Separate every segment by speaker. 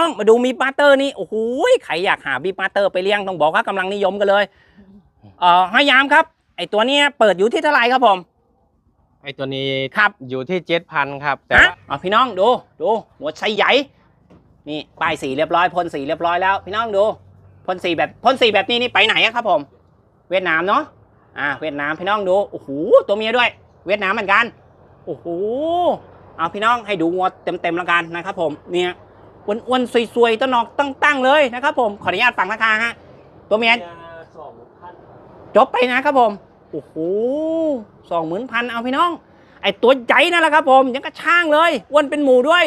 Speaker 1: องมาดูมีปาเตอร์นี่โอ้โหใครอยากหาบีปาเตอร์ไปเลี้ยงต้องบอกว่ากำลังนิยมกันเลยห้อยยามครับไอตัวเนี้ยเปิดอยู่ที่เท่าไหร่ครับผม
Speaker 2: ไอตัวนี้
Speaker 1: ครับ
Speaker 2: อยู่ที่7,000ครับแต่ว่า
Speaker 1: พี่น้องดูหัวไชใหญ่นี่ป้ายสีเรียบร้อยพ่นสีเรียบร้อยแล้วพี่น้องดูพ่นสีแบบนี้นี่ไปไหนครับผมเวียดนามเนาะเวียดนามพี่น้องดูโอ้โหตัวเมียด้วยเวียดนามเหมือนกันโอ้โหเอาพี่น้องให้ดูงัวเต็มแล้วกันนะครับผมเนี่ยอ้วนๆสวยๆต้นนอกตั้งเลยนะครับผมขออนุญาตฟังราคาฮะตัวเมียจบไปนะครับผมโอ้โห20,000เอาพี่น้องไอตัวใหญ่นั่นแหละครับผมยังกระช่างเลยอ้วนเป็นหมูด้วย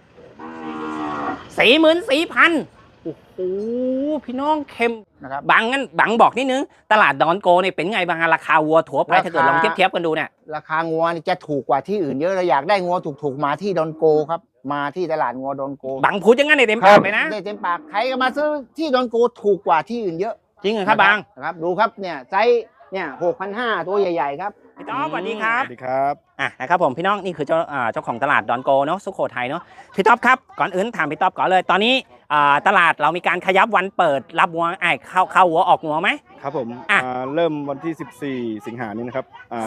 Speaker 1: 44,000โอ้โหพี่น้องเข้มนะครับบังบอกนิดนึงตลาดดอนโกเนี่ยเป็นไงบ้างราคาวัวถั่วไปถ้าเกิดลองเทียบกันดูเนี่ย
Speaker 3: ราคางัวนี่จะถูกกว่าที่อื่นเยอะเราอยากได้งัวถูกๆมาที่ดอนโกครับมาที่ตลาดงัวดอนโก
Speaker 1: บังพูดอย่างนั้นในเต็มปากเลยนะ
Speaker 3: ได้เต็มปากใครก็มาซื้อที่ดอนโกถูกกว่าที่อื่นเยอะ
Speaker 1: จริงเหรอครับบัง
Speaker 3: ครับดูครับเนี่ยไซส์เนี่ย6,500ตัวใหญ่ๆครับ
Speaker 1: พี่ต๊อบสวัสดีครับ
Speaker 4: สวัสดีครับ
Speaker 1: นะครับผมพี่น้องนี่คือเจ้าของตลาดดอนโกเนาะสุโขทัยเนาะพี่ต๊อบครับก่อนอื่นถามพี่ต๊อบก่อนเลยตอนนี้ตลาดเรามีการขยับวันเปิดรับวัวเข้าวัวออกวัวไหม
Speaker 4: ครับผมเริ่มวันที่14 สิงหานี้นะครับ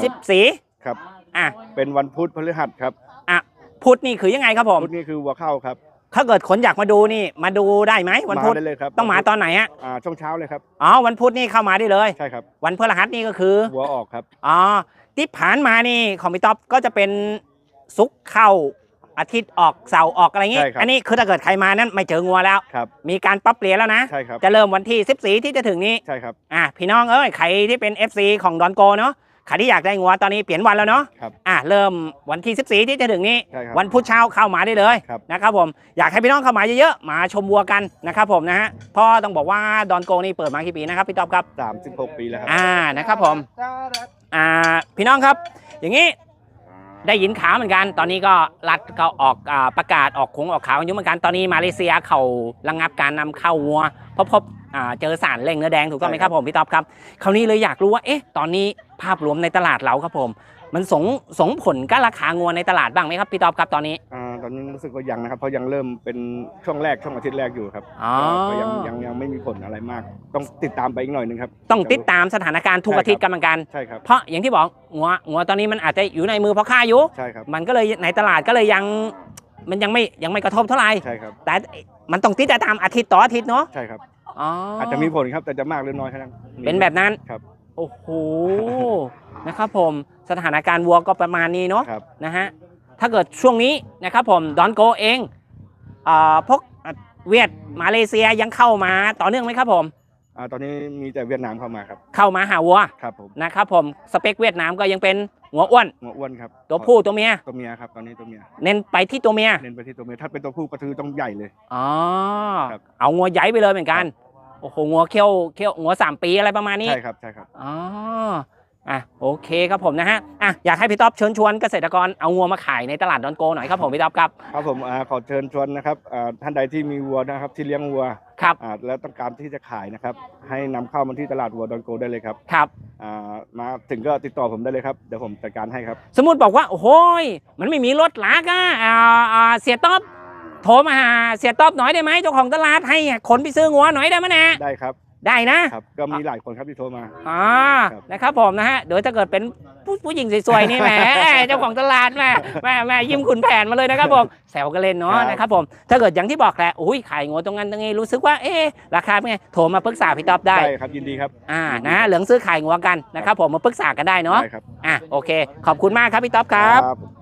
Speaker 1: 14
Speaker 4: ครับเป็นวันพุธพฤหัสครับ
Speaker 1: พุธนี่คือยังไงครับผม
Speaker 4: พุธนี่คือวัวเข้าครับ
Speaker 1: ถ้าเกิดคนอยากมาดูนี่มาดูได้ไหมวันพุธ
Speaker 4: ได้เลยครับ
Speaker 1: ต้องมาตอนไหน
Speaker 4: ช่วงเช้าเลยครับ
Speaker 1: วันพุธนี่เข้ามาได้เลย
Speaker 4: ใช่ครับ
Speaker 1: วันพฤหัสนี่ก็คือ
Speaker 4: วัวออกครับ
Speaker 1: ที่ผ่านมานี่ของพี่ต๊อบก็จะเป็นศุกร์เข้าอาทิตย์ออกเสาร์ออกอะไรเงี้ยอันนี้คือถ้าเกิดใครมานั้นไม่เจองัวแล้วมีการปรับเปลี่ยนแล้วนะ
Speaker 4: ใช่ครับ
Speaker 1: จะเริ่มวันที่14ที่จะถึงนี้
Speaker 4: ใช่ครับ
Speaker 1: พี่น้องใครที่เป็น FC ของดอนโกเนาะใครที่อยากได้งัวตอนนี้เปลี่ยนวันแล้วเนาะเริ่มวันที่14ที่จะถึงนี้วันพุธเช้าเข้ามาได้เลยนะครับผมอยากให้พี่น้องเข้ามาเยอะๆมาชมวัวกันนะครับผมนะฮะเพราะต้องบอกว่าดอนโกนี่เปิดมากี่ปีนะครับพี่ต๊อบครับ
Speaker 4: 36 ปีแล้วครับ
Speaker 1: นะครับผมพี่น้องครับอย่างนี้ได้ยินข่าวเหมือนกันตอนนี้ก็รัฐก็ออกประกาศออกข่าวอยู่เหมือนกันตอนนี้มาเลเซียเขาระงับการนำเข้าวัวพบเจอสารเร่งเนื้อแดงถูกต้องไหมครับผมพี่ต๊อบครับคราวนี้เลยอยากรู้ว่าตอนนี้ภาพรวมในตลาดเราครับผมมันส่งผลกับราคางัวในตลาดบ้างไหมครับพี่ต๊อบครับตอนนี้
Speaker 4: ตอนนี้รู้สึกว่ายังนะครับเพราะยังเริ่มเป็นช่วงอาทิตย์แรกอยู่ครับก็ยังไม่มีผลอะไรมากต้องติดตามไปอีกหน่อยนึงครับ
Speaker 1: ต้องติดตามสถานการณ์ทุกอาทิตย์กันเหมือนกัน
Speaker 4: ใช่ครับ
Speaker 1: เพราะอย่างที่บอกงัวตอนนี้มันอาจจะอยู่ในมือพ่อค้าอยู่
Speaker 4: ใช่ครับ
Speaker 1: มันก็เลยในตลาดก็เลยมันยังไม่กระทบเท่าไหร่
Speaker 4: ใช่ครับ
Speaker 1: แต่มันต้องติดตามอาทิตย์ต่ออาทิตย์เนาะ
Speaker 4: ใช่ครับอาจจะมีผลครับแต่จะมากหรือน้อยแค่นั้น
Speaker 1: เป็นแบบนั้น
Speaker 4: ครับ
Speaker 1: โอ้โหนะครับผมสถานการณ์วัวก็ประมาณนี้เนาะนะฮะถ้าเกิดช่วงนี้นะครับผมดอนโกเองพวกเวียดมาเลเซียยังเข้ามาต่อเนื่องไหมครับผม
Speaker 4: ตอนนี้มีแต่เวียดนามเข้ามาครับ
Speaker 1: เข้ามาหาวัว
Speaker 4: ครับผม
Speaker 1: นะครับผมสเปคเวียดนามก็ยังเป็นหัวอ้วน
Speaker 4: ครับ
Speaker 1: ตัวผู้ตัวเมีย
Speaker 4: ครับตอนนี้ตัวเมีย
Speaker 1: เน้นไปที่ตัวเมีย
Speaker 4: ถ้าเป็นตัวผู้กระทือต้องใหญ่เลย
Speaker 1: เอางัวใหญ่ไปเลยเหมือนกันโอ้โหงัวเขี้ยวงัว3 ปีอะไรประมาณนี้
Speaker 4: ใช่ครับ
Speaker 1: โอเคครับผมนะฮะอยากให้พี่ต๊อบเชิญชวนเกษตรกรเอางัวมาขายในตลาดดอนโกหน่อยครับผมพี่ต๊อบครับ
Speaker 4: ครับผมขอเชิญชวนนะครับท่านใดที่มีวัวนะครับที่เลี้ยงวัว
Speaker 1: ครับ
Speaker 4: แล้วต้องการที่จะขายนะครับให้นำเข้ามาที่ตลาดวัวดอนโกได้เลยครับ
Speaker 1: ครับ
Speaker 4: มาถึงก็ติดต่อผมได้เลยครับเดี๋ยวผมจัดการให้ครับ
Speaker 1: สมมุติบอกว่าโอ้โหมันไม่มีรถหลากเสียต๊อบโทรมาหาเสียต๊อบหน่อยได้ไหมเจ้าของตลาดให้คนไปซื้องัวหน่อยได้ไหมนะ
Speaker 4: ได้ครับ
Speaker 1: ได้นะครับ
Speaker 4: ก็มีหลายคนครับที่โทรมา
Speaker 1: นะครับผมนะฮะโดยถ้าเกิดเป็นผู้หญิงสวยๆนี่แหมเจ้าของตลาดแม่ยิ้มขุนแผนมาเลยนะครับผมแซวกันเล่นเนาะนะครับผมถ้าเกิดอย่างที่บอกแหละขายงัวตรงนั้นตรงนี้รู้สึกว่าราคาเป็นไงโทรมาปรึกษาพี่ต๊อบได้
Speaker 4: ครับยินดีครับ
Speaker 1: นะเหลืองซื้อขายงัวกันนะครับผมมาปรึกษากันได้เนาะโอเคขอบคุณมากครับพี่ต๊อบครับ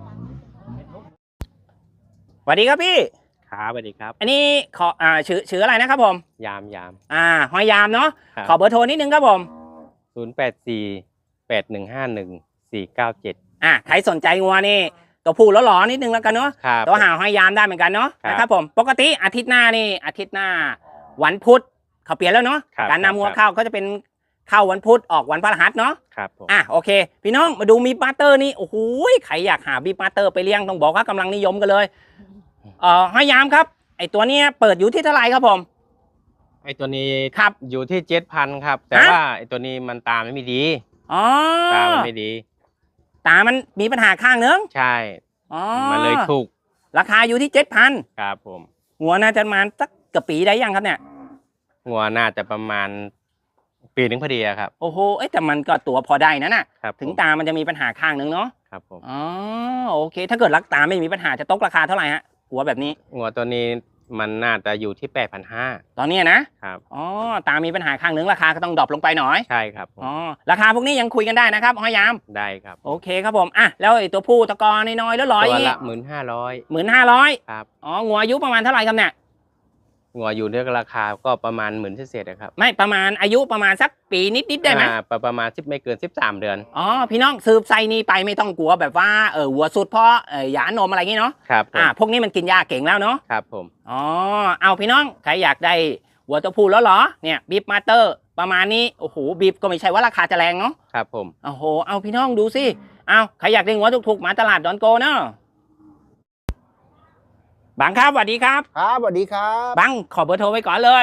Speaker 1: สวัสดีครับพี่
Speaker 2: ครับสวัสดีครับ
Speaker 1: อันนี้ขอชื่ออะไรนะครับผม
Speaker 2: ยาม
Speaker 1: หอยยามเนาะขอเบอร์โทรนิดนึงครับผม
Speaker 2: 0848151497
Speaker 1: ใครสนใจงัวนี่ตัวผู้หล่อๆนิดนึงแล้วกันเนาะตัวหาหอยยามได้เหมือนกันเนาะนะครับผมปกติอาทิตย์หน้าวันพุธเขาเปลี่ยนแล้วเนาะการนำงัวเข้าก็จะเป็นเข้าวันพุธออกวันพฤหัสเนาะ
Speaker 2: ครับ
Speaker 1: โอเคพี่น้องมาดูมีปาเตอร์นี่โอ้โหใครอยากหาบีปาเตอร์ไปเลี้ยงต้องบอกว่ากำลังนิยมกันเลยหอยยามครับไอตัวเนี้ยเปิดอยู่ที่เท่าไหร่ครับผม
Speaker 2: ไอตัวนี้
Speaker 1: ครับ
Speaker 2: อยู่ที่7,000ครับแต่ว่าไอตัวนี้มันตาไม่ดีตามันไม่ดี
Speaker 1: ตามันมีปัญหาข้างนึง
Speaker 2: ใช่มันเลยถูก
Speaker 1: ราคาอยู่ที่7,000
Speaker 2: ครับผม
Speaker 1: งัวน่าจะประมาณสักเกือบปีได้ยังครับเนี่ย
Speaker 2: งัวน่าจะประมาณปีหนึงพอดีอะครับ
Speaker 1: โอ้โหแต่มันก็ตัวพอได้นะน่ะ
Speaker 2: ครับ
Speaker 1: ถึง
Speaker 2: ผม
Speaker 1: ตามันจะมีปัญหาข้างนึงเนาะ
Speaker 2: ครับผม
Speaker 1: อ๋อโอเค ถ้าเกิดรักตาไม่มีปัญหาจะตกราคาเท่าไหร่ฮะหัวแบบนี้
Speaker 2: งัวตัวนี้มันน่าจะอยู่ที่8,500
Speaker 1: ตอนนี้นะครับ อ๋อตามีปัญหาข้างนึงราคาก็ต้องดรอปลงไปหน่อย
Speaker 2: ใช่ครับผม
Speaker 1: อ๋อราคาพวกนี้ยังคุยกันได้นะครับห้อยยาม
Speaker 2: ได้ครับ
Speaker 1: โอเคครับผมอ่ะแล้วไอ้ตัวผู้ตะกอน้อยๆแล้วร้อย
Speaker 2: ตัว
Speaker 1: อีก
Speaker 2: ละ15,000
Speaker 1: 15,000
Speaker 2: ครับ
Speaker 1: อ๋องัวอายุประมาณเท่าไหร่ครับเนี่ย
Speaker 2: งัวอยู่ด้วยราคาก็ประมาณ10,000เศษๆนะครับ
Speaker 1: ไม่ประมาณอายุประมาณสักปีนิดๆได้ไหม
Speaker 2: ประมาณ10ไม่เกิน13 เดือน
Speaker 1: อ๋อพี่น้องสืบไซนี้ไปไม่ต้องกลัวแบบว่าวัวสุดเพราะหยานมอะไรอย่างงี้เนาะ
Speaker 2: ครับผม
Speaker 1: พวกนี้มันกินยาเก่งแล้วเนาะ
Speaker 2: ครับผม
Speaker 1: อ๋อเอาพี่น้องใครอยากได้วัวตัวผู้แล้วเหรอเนี่ยบีบมาสเตอร์ประมาณนี้โอ้โหบีบก็ไม่ใช่ว่าราคาจะแรงเนาะ
Speaker 2: ครับผม
Speaker 1: โอ้โหเอาพี่น้องดูสิเอาใครอยากได้งัวถูกๆมาตลาดดอนโกเนาะบังครับสวัสดีครับ
Speaker 3: ครับสวัสดีครับ
Speaker 1: บังขอเบอร์โทรไว้ก่อนเลย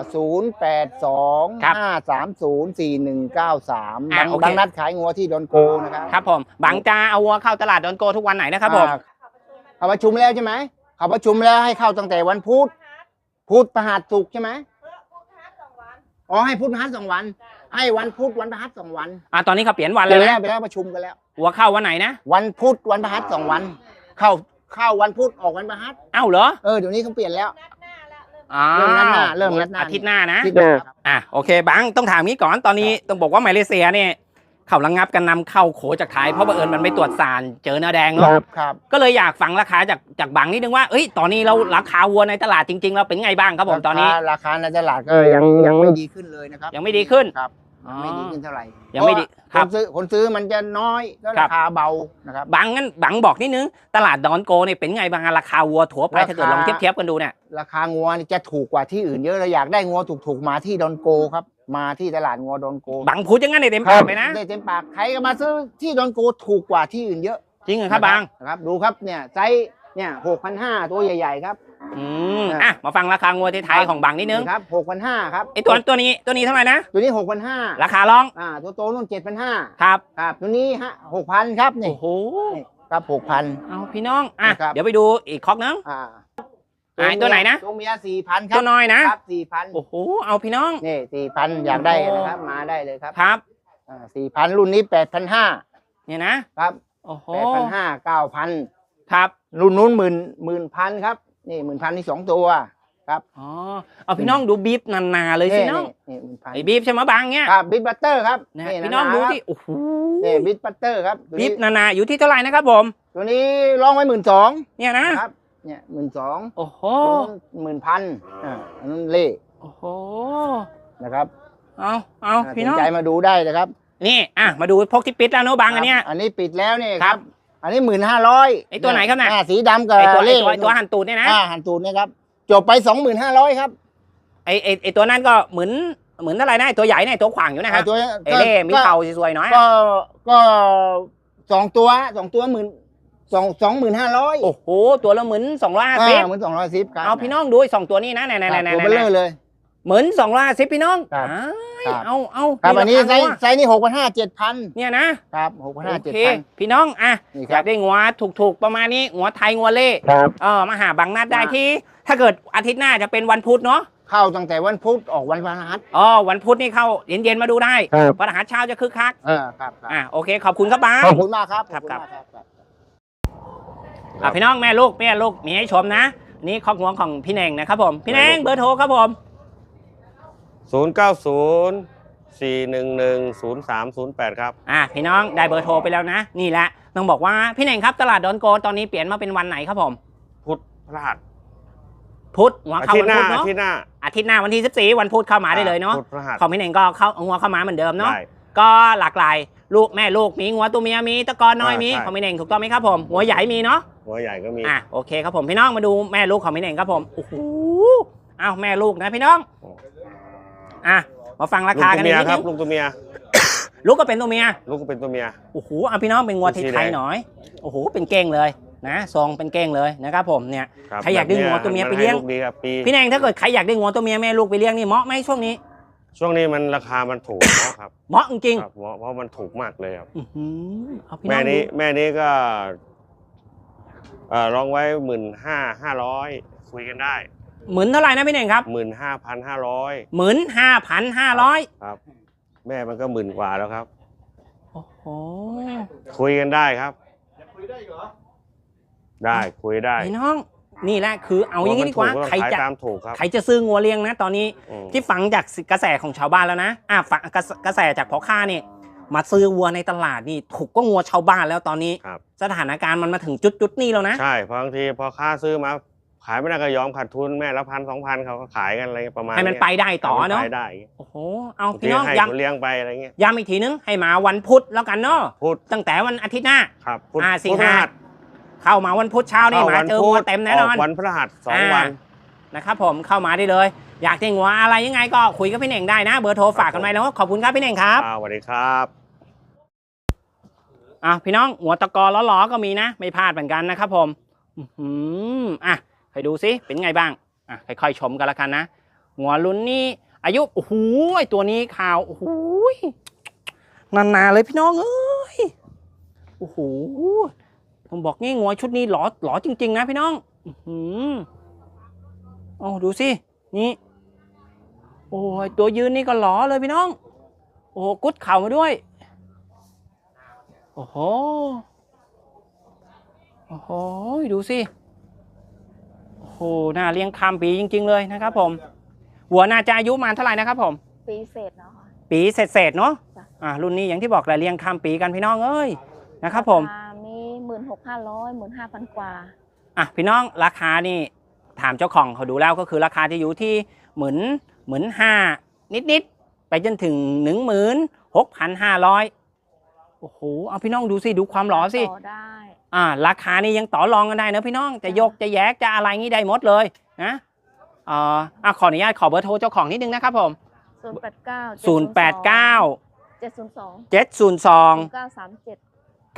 Speaker 3: 082
Speaker 1: ครับ
Speaker 3: 530 4193
Speaker 1: อ่ะโอเค
Speaker 3: บางนัดขายงัวที่ดอนโกนะครับ
Speaker 1: ครับผมบังจะเอาวัวเข้าตลาดดอนโกทุกวันไหนนะครับผม
Speaker 3: เขาประชุมแล้วใช่ไหมเขาประชุมแล้วให้เข้าตั้งแต่วันพุธพฤหัสศุกร์ใช่ไหมอ๋อให้พุธพฤหัส2 วัน ให้วันพุธวันพฤหัส2 วัน
Speaker 1: ตอนนี้เขาเปลี่ยนวัน
Speaker 3: ไป
Speaker 1: เลย
Speaker 3: แล้ว
Speaker 1: นะ
Speaker 3: ไปแล้วประชุมกันแล้ว
Speaker 1: วัวเข้าวันไหนนะ
Speaker 3: วันพุธวันพฤหัส2 วัน เข้าวันพุธออกวันพฤหัส
Speaker 1: เอ้าเหรอ
Speaker 3: เดี๋ยวนี้เขาเปลี่ยนแล้ว
Speaker 1: อ๋อ
Speaker 3: เริ่มนัดหน้าเริ่มนัดหน้า
Speaker 1: อาทิตย์หน้านะ
Speaker 3: ที่เดิมครับ
Speaker 1: โอเคบังต้องถามงี้ก่อนตอนนี้ต้องบอกว่ามาเลเซียเนี่ยเขาระงับการนำเข้าโขจากไทยเพราะบังเอิญมันไม่ตรวจสารเจอเนื้อแดงเนาะ
Speaker 3: ครับ
Speaker 1: ก็เลยอยากฟังราคาจากบังนิดนึงว่าเอ้ยตอนนี้เราราคาวัวในตลาดจริงๆเราเป็นไงบ้างครับผมตอนนี้
Speaker 3: ราคาในตลาดก็ยังไม่ดีขึ้นเลยนะครับ
Speaker 1: ยังไม่ดีขึ้น
Speaker 3: ครับ
Speaker 1: อ๋อ
Speaker 3: ไม่ดีขึ้นเท่าไหร่
Speaker 1: ยังไม่ดี
Speaker 3: เพราะว่าคนซื้อมันจะน้อยก็
Speaker 1: ครั
Speaker 3: รา
Speaker 1: บ
Speaker 3: คาเบานะครับ
Speaker 1: บังงั้นบังบอกนิดนึงตลาดดอนโกเนี่ยเป็นไงบ้างราคาวัวถั่วไปถ้าเกิดลองเทียบกันดูเนี่ย
Speaker 3: ราคางัวนี่จะถูกกว่าที่อื่นเยอะเราอยากได้งัวถูกๆมาที่ดอนโกครับ มาที่ตลาดงัวดอนโก
Speaker 1: บังพูดอย่างนั้นในเต็มปากเลยนะ
Speaker 3: ได้เต็มปากใครก็มาซื้อที่ดอนโกถูกกว่าที่อื่นเยอะ
Speaker 1: จริงเหรอครับบัง
Speaker 3: นะครับดูครับเนี่ยไซส์เนี่ย6,500ตัวใหญ่ๆครับ
Speaker 1: มาฟังราคางัวไทยๆของบังนิดนึง
Speaker 3: ครับ6,500ครับ
Speaker 1: ไอตัวนี้เท่าไหร่นะ
Speaker 3: ตัวนี้6,500
Speaker 1: ราคาร้อง
Speaker 3: ตัวโตนู่น7,500
Speaker 1: ครับ
Speaker 3: ครับตัวนี้6,000ครับนี่
Speaker 1: โอ้โห
Speaker 3: ครับ6,000
Speaker 1: เอาพี่น้อง
Speaker 3: นะครับ
Speaker 1: เดี๋ยวไปดูอีกคอกนึง ตัวไหนนะ
Speaker 3: ตัวเมีย4,000 ครั
Speaker 1: ตัวน้อยนะ
Speaker 3: ครับ4,000
Speaker 1: โอ้โห เอาพี่น้อง
Speaker 3: นี่4,000อยากได้นะครับมาได้เลยครับ
Speaker 1: ครับ
Speaker 3: 4,000 รุ่นนี้8,500
Speaker 1: เนี่ยนะ
Speaker 3: ครับ
Speaker 1: โอ้โห
Speaker 3: 8,500 9,000
Speaker 1: ครับ
Speaker 3: รุ่นนู้น10,000ครับนี่10,000นี่2 ตัวครับ
Speaker 1: อ๋อ เอาพี่น้องดูบีฟนาเลยสิน้อง
Speaker 3: นี่10,000
Speaker 1: ไอ้บีฟใช่ไหมบางเนี้ย
Speaker 3: ครับบิ๊กบัตเตอร์ครับ
Speaker 1: นะ
Speaker 3: นี่
Speaker 1: พี่น้องดู
Speaker 3: ครับ
Speaker 1: ที่ โอ้โห
Speaker 3: นี่บิ๊กบัตเตอร์ครับตัว
Speaker 1: บี
Speaker 3: นี้
Speaker 1: ฟนาอยู่ที่เท่าไหร่นะครับผม
Speaker 3: ตัวนี้ร้องไว้12,000
Speaker 1: เนี่ยนะ
Speaker 3: ครับเนี่ย12,000
Speaker 1: โอ้โห
Speaker 3: 10,000อันนั้นเล่
Speaker 1: โอ้โห
Speaker 3: นะครับ
Speaker 1: เอาพี่น้อง
Speaker 3: สนใจมาดูได้นะครับ
Speaker 1: นี่มาดูพวกที่ปิดแล้วเนอะบางอันเนี้ย
Speaker 3: อันนี้ปิดแล้วนี่
Speaker 1: ครับ
Speaker 3: อันนี้1,500
Speaker 1: ไอ้ตัวไหนครับน่ะ
Speaker 3: สีดำกับ
Speaker 1: ไอ้ตัว
Speaker 3: เล่
Speaker 1: ตัวหันตูดเนี่ยนะ
Speaker 3: หันตูดเนี่ยครับจบไป 25,000ครับ
Speaker 1: ไอ้ตัวนั้นก็เหมือนอะไรนะไอ้ตัวใหญ่นะไอ้ตัวขวางอยู่นะฮะ
Speaker 3: ตัว
Speaker 1: ไอ้เล่มีเข่าสวยๆหน่อย
Speaker 3: ก็2 ตัว25,000
Speaker 1: โอ้โหตัวละ1,250
Speaker 3: เหมือน210ครับ
Speaker 1: เอาพี่น้องดูสองตัวนี้นะไหน
Speaker 3: ตัวเบลอเลย
Speaker 1: 1,250พี่น้อง
Speaker 3: ครับ
Speaker 1: ครับเอา
Speaker 3: ครับอันนี้
Speaker 1: ราคางัว
Speaker 3: ไซส์นี้6,500 7,000
Speaker 1: เนี่ยนะครับ
Speaker 3: 6,500
Speaker 1: โอเค
Speaker 3: 7,000
Speaker 1: พี่น้อง
Speaker 3: นี่ครับ
Speaker 1: อยากได้งัวถูกๆประมาณนี้งัวไทยงัวเล่
Speaker 3: ครับ
Speaker 1: มาหาบางนัดได้ที่ ถ้าเกิดอาทิตย์หน้าจะเป็นวันพุธเนาะ
Speaker 3: เข้าตั้งแต่วันพุธออกวันพฤหัส
Speaker 1: วันพุธนี่เข้าเย็นๆมาดูได้
Speaker 3: ครับ
Speaker 1: วันอาหารเช้าจะคึกคัก
Speaker 3: ครับ
Speaker 1: โอเคขอบคุณครับบ้า
Speaker 3: ขอบคุณมากครับ
Speaker 1: ครับ
Speaker 3: ขอณมาก
Speaker 1: พี่น้องแม่ลูกมีให้ชมนะนี่ครอบครัวของพี่เน่งนะครับผมพี่เน่งเบอร์โทรครับผม
Speaker 2: 090-411-0308 ครับ
Speaker 1: พี่น้องได้เบอร์โทรไปแล้วนะ นี่แหละต้องบอกว่าพี่เน่งครับตลาดดอนโกตอนนี้เปลี่ยนมาเป็นวันไหนครับผม
Speaker 2: พุธพฤหัส
Speaker 1: พุธหัวเข้าวันพุธเนาะ
Speaker 2: อาทิตย์หน้า
Speaker 1: อาทิตย์หน้าวันที่14วันพุธเข้ามาได้เลยเนาะ
Speaker 2: พุธพฤหัส
Speaker 1: ของพี่เน่งก็เข้าหัวเข้ามาเหมือนเดิมเนาะ
Speaker 2: ได้
Speaker 1: ก็หลากหลายลูกแม่ลูกมีหัวตัวเมียมีตะกอนน้อยมี
Speaker 2: ใช่
Speaker 1: ของพี่เน่งถูกต้องไหมครับผมหัวใหญ่มีเนาะ
Speaker 2: หัวใหญ่ก็มี
Speaker 1: โอเคครับผมพี่น้องมาดูแม่ลูกของพี่เน่งครับผมโอ้โหแม่ลูกนะพี่น้องมาฟังรา
Speaker 2: ลูก
Speaker 1: คา
Speaker 2: ตั
Speaker 1: กั
Speaker 2: วน เมี
Speaker 1: นิ
Speaker 2: ย
Speaker 1: ด
Speaker 2: ครั
Speaker 1: นึ
Speaker 2: บ
Speaker 1: ง
Speaker 2: ลูกตัวเมีย
Speaker 1: ลูกก็เป็นตัวเมีย
Speaker 2: ลูกก็เป็นตัวเมีย
Speaker 1: โอ้โหพี่น้องเป็นงัว
Speaker 2: สี
Speaker 1: ไท
Speaker 2: แด
Speaker 1: ย
Speaker 2: ง
Speaker 1: ๆหน่อยโอ้โหเป็นเก้งเลยนะทรงเป็นเก้งเลยนะครับผมเนี่ย
Speaker 2: ครับ
Speaker 1: ใครอยากได้งัวตัวเมียไปเลี้ยง
Speaker 2: ให้ลูกดีครับปี
Speaker 1: พี่แนงถ้าเกิดใครอยากได้งัวตัวเมียแม่ลูกไปเลี้ยงนี่เหมาะไหมช่วงนี้
Speaker 2: ช่วงนี้มันราคามันถูกนะครับ
Speaker 1: เหมาะจริง
Speaker 2: ครับเพราะมันถูกมากเลยครับ
Speaker 1: ๆเอาพี่น้
Speaker 2: แม่
Speaker 1: อง
Speaker 2: นี้
Speaker 1: ดู
Speaker 2: แม่นี้ก็ลองไว้15,500คุยกันได้
Speaker 1: หมื่นเท่าไหร่นะพี่เน่งครับ
Speaker 2: 15,500
Speaker 1: 15,500
Speaker 2: ครับ แม่มันก็10,000 กว่าแล้วครับ
Speaker 1: โอ้โห
Speaker 2: คุยกันได้ครับ
Speaker 4: คุยได้เหรอ
Speaker 2: ได้คุยได้
Speaker 1: พี่น้องนี่แหละคือเอาอย่างนี้ดีกว่า
Speaker 2: ถู
Speaker 1: ใคร
Speaker 2: ขาย
Speaker 1: จะ
Speaker 2: ตามถูกครับ
Speaker 1: ใครจะซื้องัวเลี้ยงนะตอนนี้
Speaker 2: อืม
Speaker 1: ที่ฟังจากกระแสของชาวบ้านแล้วนะฟังกระแสจากพ่อค้าเนี่ยมาซื้อวัวในตลาดนี่ถูกก็งัวชาวบ้านแล้วตอนนี้
Speaker 2: ครับ
Speaker 1: สถานการณ์มันมาถึงจุดนี้แล้วนะ
Speaker 2: ใช่เพราะบางทีพอค่าซื้อมาขายไม่ได้ก็ยอมขาดทุนแม่ละ1,000-2,000เขาก็ขายกันอะไรประมาณ
Speaker 1: ให้มันไปได้ต่อเนาะ
Speaker 2: ให้มัไปได้
Speaker 1: โอ้โหเอา
Speaker 2: บาง
Speaker 1: พี่
Speaker 2: ที
Speaker 1: น้อง
Speaker 2: ให้
Speaker 1: ย้
Speaker 2: คนเลี้ยงไปอะไรเงี้ย
Speaker 1: ำย้ำอีกทีนึงให้มาวันพุธแล้วกันเนาะ
Speaker 2: พูด
Speaker 1: ตั้งแต่วันอาทิตย์หน้า
Speaker 2: ครับพูด
Speaker 1: สิง
Speaker 2: พูด
Speaker 1: หา
Speaker 2: พฤหัส
Speaker 1: เข้ามาวันพุธเช้านี่มาเจองัวเต็มแน่นอน
Speaker 2: กวันพฤหัส2 วัน
Speaker 1: นะครับผมเข้ามาได้เลย อยากได้งัวอะไรยังไงก็คุยกับพี่เน่งได้นะ เบอร์โทรฝากกันไว้แล้วขอบคุณครับพี่เน่งครับ
Speaker 2: สวัสดีครับ
Speaker 1: พี่น้องหัวตะกอล้อๆก็มีนะ ไม่พลาดเหมือนกันนะครับผมให้ดูซิเป็นไงบ้างค่อยๆชมกันละกันนะหัวลุ้นนี่อายุโอ้โหตัวนี้ข่าวโอ้โหนานๆเลยพี่น้องเอ้ยโอ้โหผมบอกงี้งัวชุดนี้หล่อจริงๆนะพี่น้องดูสินี่โอ้ยตัวยืนนี่ก็หล่อเลยพี่น้องโอ้โหกุดเข่ามาด้วยโอ้โหดูสิโอ้โหน่าเลี้ยงข้ามปีจริงๆเลยนะครับผมวัวน่าจะอายุมาเท่าไหร่นะครับผม
Speaker 5: ปีเศษเนาะ
Speaker 1: ปีเศษเนาะ
Speaker 5: จ้ะ
Speaker 1: รุ่นนี้อย่างที่บอกแหละเลี้ยงข้ามปีกันพี่น้องเอ้ยนะครับผม
Speaker 5: ราคามี16,500 15,000 กว่า
Speaker 1: พี่น้องราคานี่ถามเจ้าของเขาดูแล้วก็คือราคาจะอยู่ที่15,000นิดๆไปจนถึง16,500โอ้โหเอาพี่น้องดูสิดูความหล่อสิ
Speaker 5: ต่อได้
Speaker 1: ราคานี่ยังต่อรองกันได้นะพี่น้องจะยกจะแยกจะอะไรงี้ได้หมดเลยนะขออนุญาตขอเบอร์โทรเจ้าของนิดนึงนะครับผม
Speaker 5: 089
Speaker 1: 702
Speaker 5: 937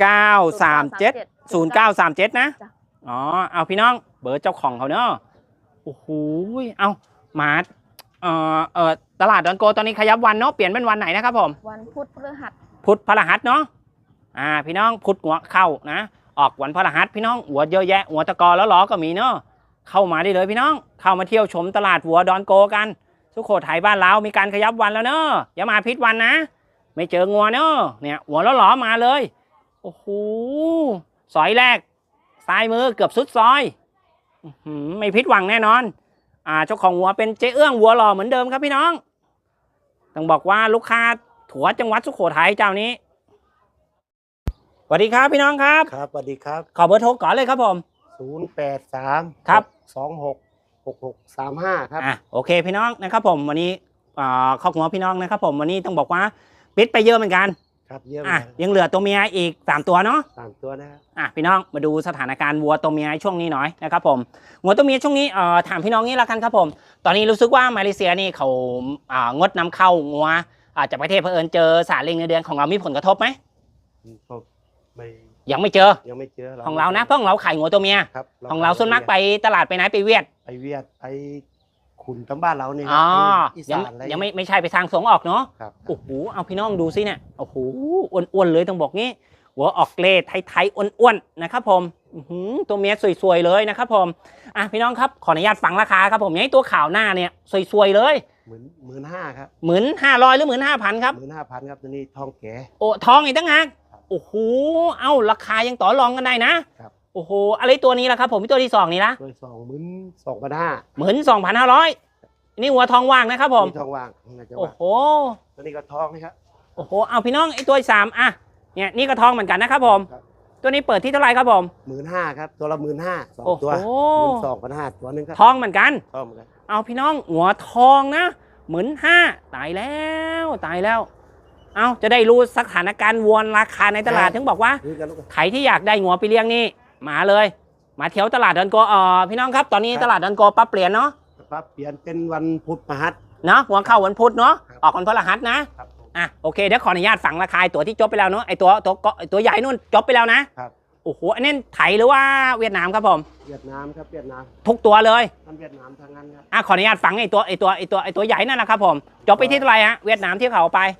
Speaker 1: 937 นะ
Speaker 5: จ้ะ
Speaker 1: เอาพี่น้องเบอร์เจ้าของเขาเนาะโอ้โหเอามาตลาดดอนโกตอนนี้ขยับวันเนาะเปลี่ยนเป็นวันไหนนะครับผม
Speaker 5: วันพุธพฤหัส
Speaker 1: พุธพฤหัสเนาะพี่น้องพุธหัวเข้านะออกวันพฤหัสพี่น้องหัวเยอะแยะหัวตะกอแล้วล้อก็มีเนาะเข้ามาได้เลยพี่น้องเข้ามาเที่ยวชมตลาดวัวดอนโกกันสุโขทัยบ้านเรามีการขยับวันแล้วเนาะอย่ามาพิษวันนะไม่เจองัวเนาะเนี่ยหัวแล้วล้อมาเลยโอ้โหซอยแรกซ้ายมือเกือบสุดซอยไม่พิษหวังแน่นอนเจ้าของวัวเป็นเจ๊เอื้องวัวหล่อเหมือนเดิมครับพี่น้องต้องบอกว่าลูกค้าถั่วจังหวัดสุโขทัยเจ้านี้สวัสดีครับพี่น้องครับ
Speaker 6: ครับสวัสดีครับ
Speaker 1: ขอเบอร์โทรก่อนเลยครับผม
Speaker 6: 083
Speaker 1: ครับ
Speaker 6: 266635 ครับ
Speaker 1: โอเคพี่น้องนะครับผมวันนี้ข้อหัวพี่น้องนะครับผมวันนี้ต้องบอกว่าปิดไปเยอะเหมือนกัน
Speaker 6: ครับเยี่ยม
Speaker 1: ยังเหลือตัวเมียอีก3ตัวเนาะ
Speaker 6: 3 ตัวนะครับ
Speaker 1: พี่น้องมาดูสถานการณ์วัวตัวเมียช่วงนี้หน่อยนะครับผมวัวตัวเมียช่วงนี้ถามพี่น้องนี้ละกันครับผมตอนนี้รู้สึกว่ามาเลเซียนี่เขางดนำเข้างัวจากประเทศเผอิญเจอสารเล็งในเดือนของเรามีผลกระทบไหม
Speaker 6: ก็ไม่
Speaker 1: ยังไม่เจอ
Speaker 6: ยังไม่เจอ
Speaker 1: ของเรานะเพราะของเราขายงัวตัวเมีย
Speaker 6: ครับ
Speaker 1: ของเราส่วนมากไปตลาดไปไหนไปเวียด
Speaker 6: ไปเวียดไปขุนตำบ้านเราเนี่ย อี
Speaker 1: ยัง
Speaker 6: สานอะไร
Speaker 1: ยังไม่ใช่ไปทางส่งออกเนาะ
Speaker 6: ครับ
Speaker 1: โอ้โหเอาพี่น้องดูสิเนี่ยโอ้โหอ้วนๆเลยต้องบอกงี้หัวออกเกรดไทยๆอ้วนๆนะครับผมตัวเมียสวยๆเลยนะครับผมพี่น้องครับขออนุญาตฟังราคาครับผมอย่างตัวข่าวหน้าเนี่ยสวยๆเลย
Speaker 6: 15,000 ครับ
Speaker 1: 15,000หรือ15,000ครับ
Speaker 6: 15,000 ครับตัวนี้ทองแก่
Speaker 1: โอ้ทองอีกตั้งหากโอ้โหเอาราคายังต่อรองกันได้นะครับ โอ้โหอะไรตัวนี้ล่ะครับผมตัวที่2นี่ละ
Speaker 6: ตัว22,500
Speaker 1: 12,500นี่หัวทองว่างนะครับผม
Speaker 6: มีทองว่างน่าจะ
Speaker 1: โอ้
Speaker 6: ว่าง
Speaker 1: โห
Speaker 6: ตัวนี้ก็ทองนะครับ
Speaker 1: โอ้โหเอาพี่น้องไอ้ตัวที่3เนี่ยนี่ก็ทองเหมือนกันนะครับผม
Speaker 6: ครับ
Speaker 1: ตัวนี้เปิดที่เท่าไหร่ครับผม
Speaker 6: 15,000 ครับตัวละ 15,000
Speaker 1: โอ้
Speaker 6: 2 ตัว
Speaker 1: โห
Speaker 6: 12,500 ตัวนึงครับ
Speaker 1: ทองเหมือนกัน
Speaker 6: ทองเหมือนกัน
Speaker 1: เอาพี่น้องหัวทองนะ15,000ตายแล้วเอาจะได้รู้สถานการณ์วัวราคาในตลาดถึงบอกว่า
Speaker 6: นี่กันลูก
Speaker 1: ใครที่อยากได้หัวไปเลี้ยงนี่มาเลยมาเที่ยวตลาดดอนโกพี่น้องครับตอนนี้ตลาดดอนโกปรับเปลี่ยนเนาะ
Speaker 6: ครับเปลี่ยนเป็นวันพุธพฤหัส
Speaker 1: เนาะหัวเข้าวันพุธเนาะ
Speaker 6: ครับ
Speaker 1: ออกวันพฤหัสนะครับ
Speaker 6: ผม
Speaker 1: โอเคเดี๋ยวขออนุญาตฝังราคาตัวที่จบไปแล้วเนาะไอตัวใหญ่นู่นจบไปแล้วนะครับ โอ้โหอันนี้ไทยหรือว่าเวียดนามครับผม
Speaker 6: เวียดนามครับเวียดนาม
Speaker 1: ทุกตัวเลย
Speaker 6: ท่านเวียดนามทางนั้นครับ
Speaker 1: ขออนุญาตฝังไอตัวใหญ่นั่นนะครับผมจบไปที่เท่าไหร่ฮะเวียดนามที่เขาเอาไป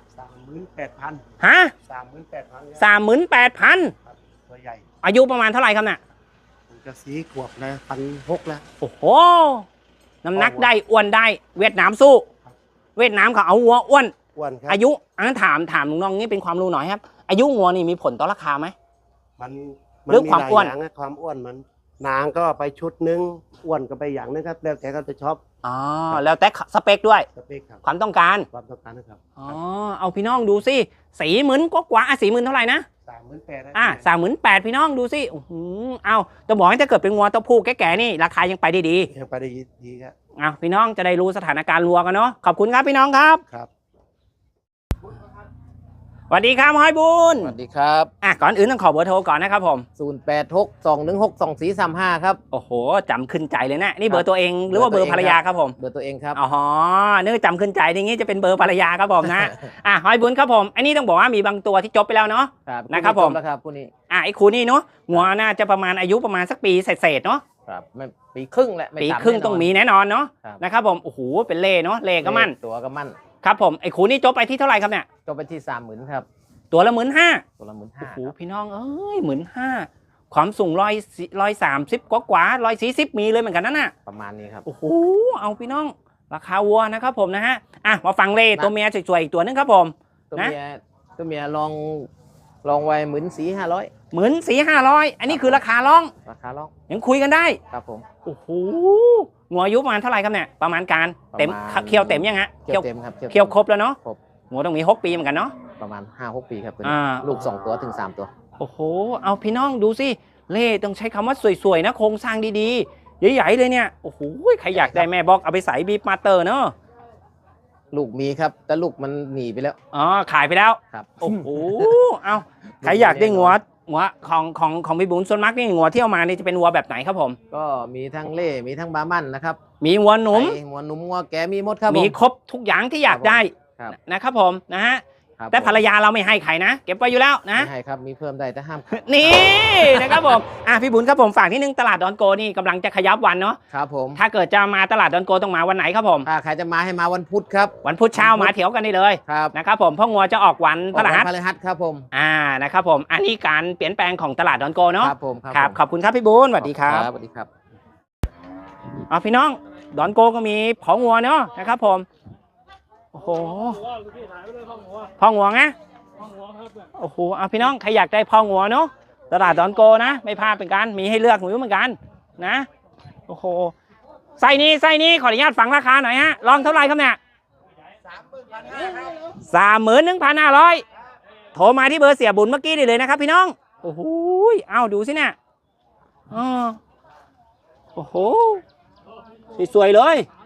Speaker 6: 38,000
Speaker 1: ฮะ
Speaker 6: 38,000
Speaker 1: 38,000
Speaker 6: ครับตัวใหญ่
Speaker 1: อายุประมาณเท่าไหร่ครับน่ะ
Speaker 6: ผมจะ4 ขวบแล้ว1,600แล้ว
Speaker 1: โอ้โหน้ำหนักได้อ้วนได้เวียดนามสู้ เวียดนามเขาเอาวัวอ้วน
Speaker 6: อ้วนครับ
Speaker 1: อายุอันนั้นถามลุงน้องนี่เป็นความรู้หน่อยครับ อายุวัวนี่มีผลต่อราคาไหม
Speaker 6: มัน
Speaker 1: เรื่องความอ้วน
Speaker 6: หลยย่งะความอ้วนมันนางก็ไปชุดนึงอ้วนก็ไปอย่างนึงครับแล้วแต่เขาจะชอบ
Speaker 1: อ๋อแล้วแต่สเปคด้วย
Speaker 6: สเปคครับ
Speaker 1: ความต้องการ
Speaker 6: ความต้องการนะครับ
Speaker 1: อ๋อเอาพี่น้องดูสิ40,000กว่า40,000เท่าไหร่นะ
Speaker 6: 38,000
Speaker 1: 38,000พี่น้องดูสิโอ้โหเอาจะบอกให้ถ้าเกิดเป็นงัวตัวผู้แก่ๆนี่ราคายังไปได้ดี
Speaker 6: ยังไปได้ดีครับ
Speaker 1: เอาพี่น้องจะได้รู้สถานการณ์วัวกันเนาะขอบคุณครับพี่น้องครับ
Speaker 6: ครับ
Speaker 1: สวัสดีครับห้อยบุญ
Speaker 7: สวัสดีครับ
Speaker 1: ก่อนอื่นต้องขอเบอร์โทรก่อนนะครับผม
Speaker 7: 0862162435 ครับ
Speaker 1: โอ้โหจำขึ้นใจเลยนะนี่เบอร์ตัวเองหรือว่าเบอร์ภรรยาครับผม
Speaker 7: เบอร์ตัวเองครับ
Speaker 1: อ๋อนึกว่าจำขึ้นใจอย่างงี้จะเป็นเบอร์ภรรยาครับผมนะ ห้อยบุญครับผมอันนี้ต้องบอกว่ามีบางตัวที่จบไปแล้วเนาะ
Speaker 7: ครับ
Speaker 1: นะครับผม
Speaker 7: แล้วครับคู่นี้
Speaker 1: ไอ้คูนี่เนาะงัวน่าจะประมาณอายุประมาณสักปีเศษๆเนาะ
Speaker 7: ครับไม่ปีครึ่งแหละไม่
Speaker 1: ปี
Speaker 7: ต่ำ
Speaker 1: ครึ่ง
Speaker 7: แน่นน
Speaker 1: ต้องมีแน่นอนเนาะ
Speaker 7: ครับ
Speaker 1: นะครับผมโอ้โหเป็นเล่เนาะเล่ก็มั่น
Speaker 7: ตัวก็มั่น
Speaker 1: ครับผมไอ้คูนี่จบไปที่เท่าไหร่ครับเนี่ย
Speaker 7: จบไปที่30,000ครับ
Speaker 1: ตัวละ15,000
Speaker 7: ตัวละ
Speaker 1: โอ้
Speaker 7: 15,000
Speaker 1: โหพี่น้องเอ้ย15,000ความสูง130กว่า140มีเลยเหมือนกันนั่นน่ะ
Speaker 7: ประมาณนี้ครับ
Speaker 1: โอ้โหเอาพี่น้องราคาวัวนะครับผมนะฮะมาฟังเล่ตัวเมียสวยๆอีกตัวนึงครับผม
Speaker 7: ตัว
Speaker 1: นะ
Speaker 7: เมียลองไว้14,500
Speaker 1: 14,500อันนี้คือราคาร้อง
Speaker 7: ราคาลอง
Speaker 1: ยังคุยกันได้
Speaker 7: ครับผม
Speaker 1: โอ้โหงัวอายุประมาณเท่าไหร่ครับเนี่ยประมาณการเต็ม
Speaker 7: ประมาณ
Speaker 1: เคี่ยวเต็มยังฮะ
Speaker 7: เคี่ยวเต็มครับ
Speaker 1: เคี่ยวครบแล้วเนาะ
Speaker 7: ครบ
Speaker 1: งัวต้องมี6 ปีเหมือนกันเนาะ
Speaker 7: ประมาณ 5-6 ปีครับตัวนี้
Speaker 1: อ่า
Speaker 7: ลูก2ตัวถึง3ตัว
Speaker 1: โอ้โหเอาพี่น้องดูสิเล่ต้องใช้คำว่าสวยๆนะโครงสร้างดีๆใหญ่ๆเลยเนี่ยโอ้โหใครอยากได้แม่บอกเอาไปใส่บีบมาเตอร์เนาะ
Speaker 7: ลูกมีครับแต่ลูกมันหนีไปแล้ว
Speaker 1: อ๋อขายไปแล้ว
Speaker 7: ครับ
Speaker 1: โอ้โหเอาใครอยากได้งัวของพี่บุญส่วนมากนี่งัวที่เอามานี่จะเป็นวัวแบบไหนครับผม
Speaker 7: ก็มีทั้งเล่มีทั้งบาร์มันนะครับ
Speaker 1: มีวัวหนุ่ม
Speaker 7: ไอ้หัวหนุ่มหัวแกมีหมดครับ
Speaker 1: มี
Speaker 7: ผ
Speaker 1: ครบทุกอย่างที่อยากได้
Speaker 7: ครับ
Speaker 1: นะครับผมนะฮะ
Speaker 7: ครับ
Speaker 1: แต่ภรรยาเราไม่ให้ใครนะ เก็บไว้อยู่แล้วนะ
Speaker 7: ไม่ให้ครับมีเพิ่มได้แต่ห้าม
Speaker 1: นี่นะครับผมพี่บุญครับผมฝากนิดนึงตลาดดอนโกนี่กำลังจะขยับวันเนาะ
Speaker 7: ครับผม
Speaker 1: ถ้าเกิดจะมาตลาดดอนโกต้องมาวันไหนครับผม
Speaker 7: ถ้าใครจะมาให้มาวันพุธครับ
Speaker 1: วันพุธเช้ามาเถียวกันได้เลย
Speaker 7: ครับ
Speaker 1: นะครับผมพ่องัวจะออกวันพฤหัส
Speaker 7: พฤหัสครับผม
Speaker 1: นะครับผมอันนี้การเปลี่ยนแปลงของตลาดดอนโกเนาะ
Speaker 7: ครับผม
Speaker 1: ครับ
Speaker 7: ผม
Speaker 1: ขอบคุณครับพี่บุญสวัสดีครับ
Speaker 7: สวัสดีครับ
Speaker 1: พี่น้องดอนโกก็มีพ่องัวเนาะนะครับผมโอ้โหพ่องัวไงโอ้โหพี่น้องใครอยากได้พ่องัวเนาะตลาดดอนโกนะไม่พลาดเป็นกันมีให้เลือกหมูเหมือนกันนะโอ้โหไส้นี้ขออนุญาตฟังราคาหน่อยฮะลองเท่าไหร่ครับเนี่ย31,500โทรมาที่เบอร์เสียบุญเมื่อกี้ได้เลยนะครับพี่น้องโอ้โหดูสิเนี่ยโอ้โหสวยๆเลย